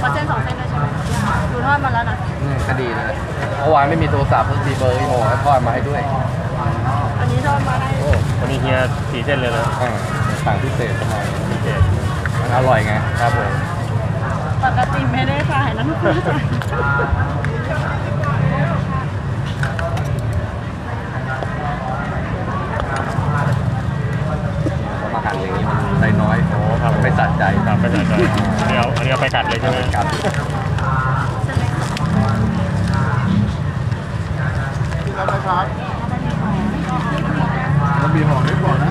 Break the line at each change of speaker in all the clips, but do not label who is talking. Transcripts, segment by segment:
เส้น2 เส้นด้วยใช่ไหมดูทอดมาแล้วนะ
นี่ก็ดีนะเมื่อวานไม่มีโทรศัพท์เพิ่งมีเบอร์อีโมทอดมาให้ด้วย
อันนี้ทอดมาได้
โอ้
วันนี้เฮีย4 เส้นเลยนะ
สั่งพิเศษทำไม
พิเศษ
มันอร่อยไงครับผม
ปกติไม่ได้ขายนะทุกคน
มาหั่นอย่างนี้มันได้น้อย
โอ้ครับ
ไม่สะใจ
ครับไม่สะใจอันนี้เอาไปกัดเลยใช่ไหม
กัดรับไหมครับมันมีห่อไม่พอนะ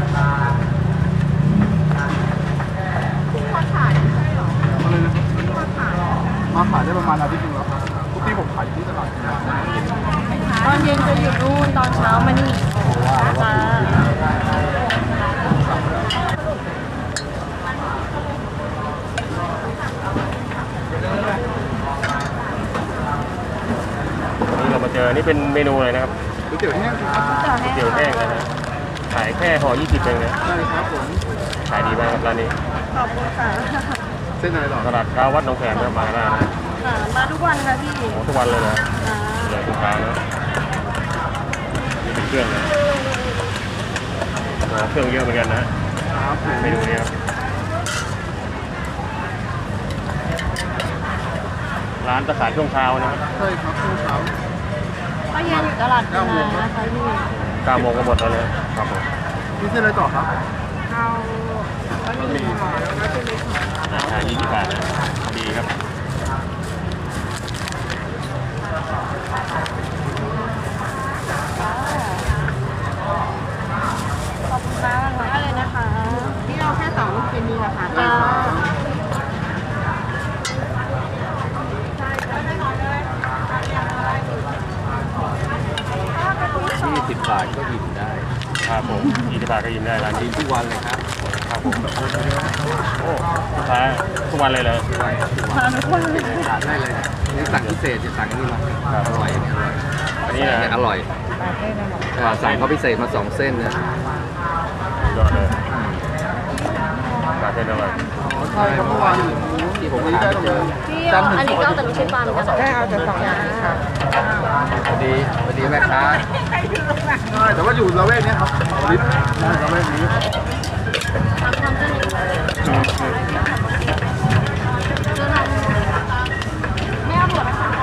มาขายได้ประมาณอาทิตย์นึงแล้วทุกที่ผมขายที่ตลาด
ตอนเย็นจะอยู่นู่นตอนเช้ามานี่จ้า
นี่เรามาเจอนี่เป็นเมนูอะไรนะครับ
ก๋วยเตี๋ยวแห้งครับ
ก๋วยเตี๋ยวแห้งนะขายแค่ห่อ20เองนะ
ใช่ครับผม
ขายดีมากครับร้านนี้
ขอบคุณค่ะ
เส้นอะไรหรอ
ตลาดเช้าวัดหนองแขมมาได้
มาทุกวันค่ะพี่
ทุกวันเลยนะเลยทุกเช้านะนี่เป็นเครื่องนะเครื่องเยอะเหมือนกันนะเมนูนี้ครับร้านจะขายช่วงเช้านะครับ
ใช่ครับช่วงเช้า
ก็เย็นอยู่ตลาดนานะคะพี่
9 โมงก็หมดแล้วเลยครับผม
พี่เส้นอะไรต่อครับ
เอาบะหมี่ห่อแล้วก็เส้นเล็กห่อ
20 บาทนะดีครับ
ขอบคุณมากเลยนะคะนี่เอาแค่2 ลูกชิ้นนี้นะคะ
20 บาทก็อิ่มได้
ครับผม20 บาทก็อิ่มได้ร้านนี้
ทุกวันเลยครับ
ครับผมโอ้ลูกค้าทุกวันเลยเหรอ
มาทุกวันเลย
ทานได้เลยนี่สั่งพิเศษจะสั่งนี่มาอร่อย
อันนี้นะ
อร่อยสั่งเขาพิเศษมา2 เส้นเนี่ย
ยอดเลยปลาเส้นอร่อย
ใช่เมื่อวานที่ผมได้เจอ
อันนี้ก็แต่ลูกชิ้นปลาเหมือนกันได้เอาแต่2 อย่างค่ะ
พอดีแม่ค้าแต่ว่าอยู่ละแวกนี้ครับลิฟต์ละแวกนี้
ไม่เอาหมดนะคะ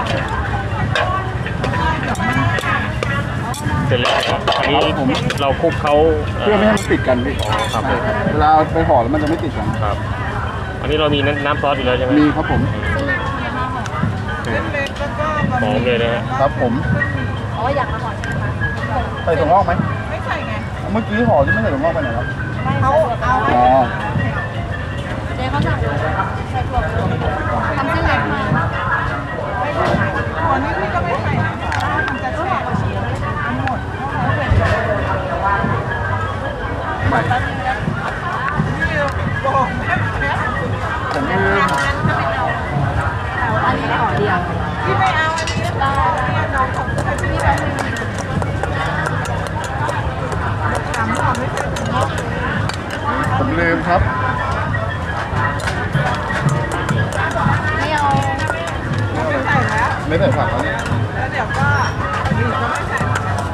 เสร็จแล้วอันนี้เราคลุกเขา
เพื่อไม่ให้มันติดกันพี่
ครับ
เวลาไปห่อแล้วมันจะไม่ติดกัน
ครับอันนี้เรามีน้ำซอสอยู่แล้วใช่ไหม
มีครับผม
หอมเลยนะครับ
ผม
อยากมาห่อใช่ไหมคะ
ใส่ถั่วงอกไหมไม่ใส่ไงเมื่อกี้ห่อที่ไม่ใส่ถั่วงอกไปไหนครับ
เอา
อ๋อ
เจ๊เขาสั่งใส่ถั่วทำเส้นเล็กมาถั่วนี่พี่ก็ไม่ใส่นะมันจะแช่ทั้งหมด
ไม่ผมคือ
อันนี้ห่อเดียวพี่ไม่เอาอันนี้เราน้องของพี่แบบ
ผมลืมครับ
ไม่เอาไม่ใส่แล้ว
ไม่ใส่ผักแล้วเนี่ย
แล้วเดี๋ยวก็อีกก็ไม่ใส่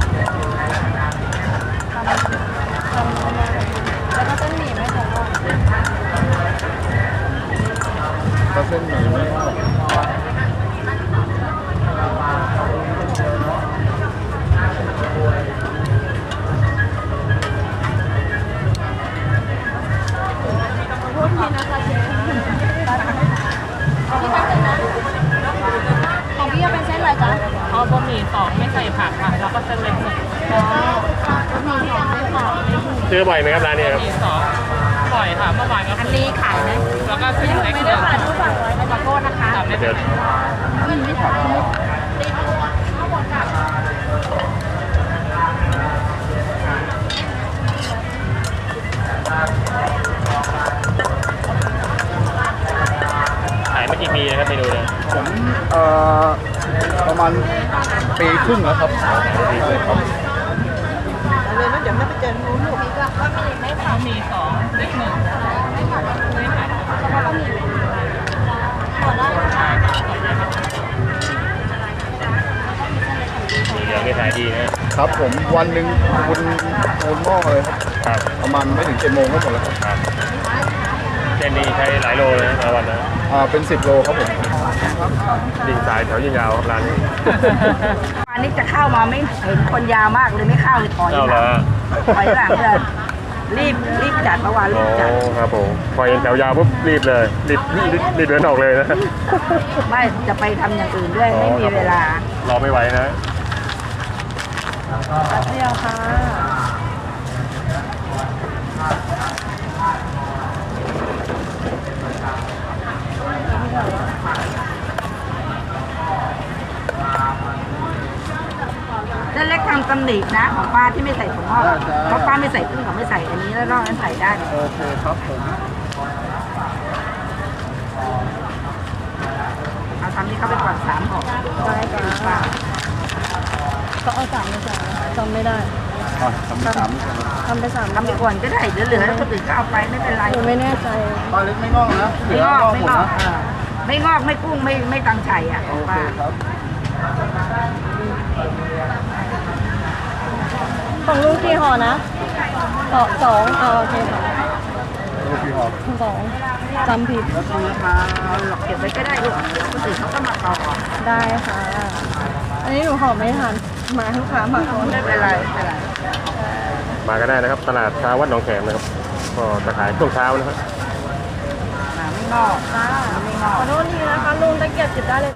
แล้วก็เส้นหมี่ไม่ใส่
ก็เส้นหมี่ไม่
ของพี่จะเป็นเส้นอะไรจ๊ะ
เอาบะหมี่2ไม่ใส่ผักค่ะแล้วก็เส้นเล็ก1
ซื้อบ่อยไหมครับร้านนี้ครับ
บะหมี่2บ่อยค่ะเมื่อวานก็
อันนี้ขายไหม
แล้วก็เส้นเล็ก
ไม่ได้ผ่านทุกฝั่งเลยขอโทษนะคะ
ไม่เป็นไร
ไม่ผักใช่ไหม
ขายมากี่ปีนะครับเมนูเนี่ย
ผมประมาณ1 ปีครึ่งแล้วครับ
เลยนะเดี๋ยวไม่ไปเจอนู้นลูก
ก็ไม่ผัด
บะหมี่2เล็ก1
ไม่ผัดไม่ผัดแล้วก็มีขอได้
ครับผมวันหนึ่งคุณหม้อเลยครับ
ครับ
ประมาณไม่ถึง7 โมงก็หมดแล้วครับ
ครับเส้นนี้ใช้หลายโลเลยนะต่อวันนะ
เป็น10 โลครับผม
ดิ่งสายแถวยิงยาวครับร้านนี้
อันนี้จะเข้ามาไม่เห็นคนยาวมากเลยไม่เข้าเลยถอย
เอา
หลั
ละ
งถอยหลังเลยรีบจัดเมื่อวาน
อ๋
รี
อบ
จัด
ครับผมพอเห็นแถวยาวปุ๊บรีบเลยรีบเดินออกเลยนะ
ไม่จะไปทำอย่างอื่นด้วยไม่มีเวลาร
อไม่ไหวนะ
เที่ยวค่ะเส้นเล็กทำตำหนินะของป้าที่ไม่ใส่ถั่วงอกเพราะป้าไม่ใส่กุ้งกับไม่ใส่อันนี้แล้วนอกนั้นใส่ได้
โอเคครับผม
เอาทำที่เขาไปก่อน3 ห่อได้จ้าก็เอา3เลยจ้ะจำไม่ได้
ทำไป3นี่ก่อนนะ
ทำไป3ทำไปก่อนก็ได้เหลือๆแล้วคนอื่นก็เอาไปไม่เป็นไรไม่แน่ใจ
ปลาเล็กไม่งอกนะเหลื
ไม่
อง
อก
งอก
ไม่
หมด
งอก
นะ
ไม่งอกไม่กุ้งไม่ตังไฉอ่ะ
โอเค
ป้า
ครับ
ของลุงกี่ห่อนะสองเอาโอเคค่ะ
โอเคครับ
สองจำผิด
แล้วคุณนะครับ
เอาหลอกเก็บไว้ก็ได้ลูกเดี๋ยวคนอื่นเขาก็มาต่อ
ได้ค่ะ อันนี้หนูห่อไม่ทันมาลูกค้ามาก่อน
ไม่เป็นไรไม่เป็นไร
มาก็ได้นะครับตลาดเช้าวัดหนองแขมนะครับก็จะขายช่วงเช้านะครับ
ไม่งอก
จ้า
ไม่งอก
ขอโทษทีนะคะลุงตะเกียบจิบได้เลย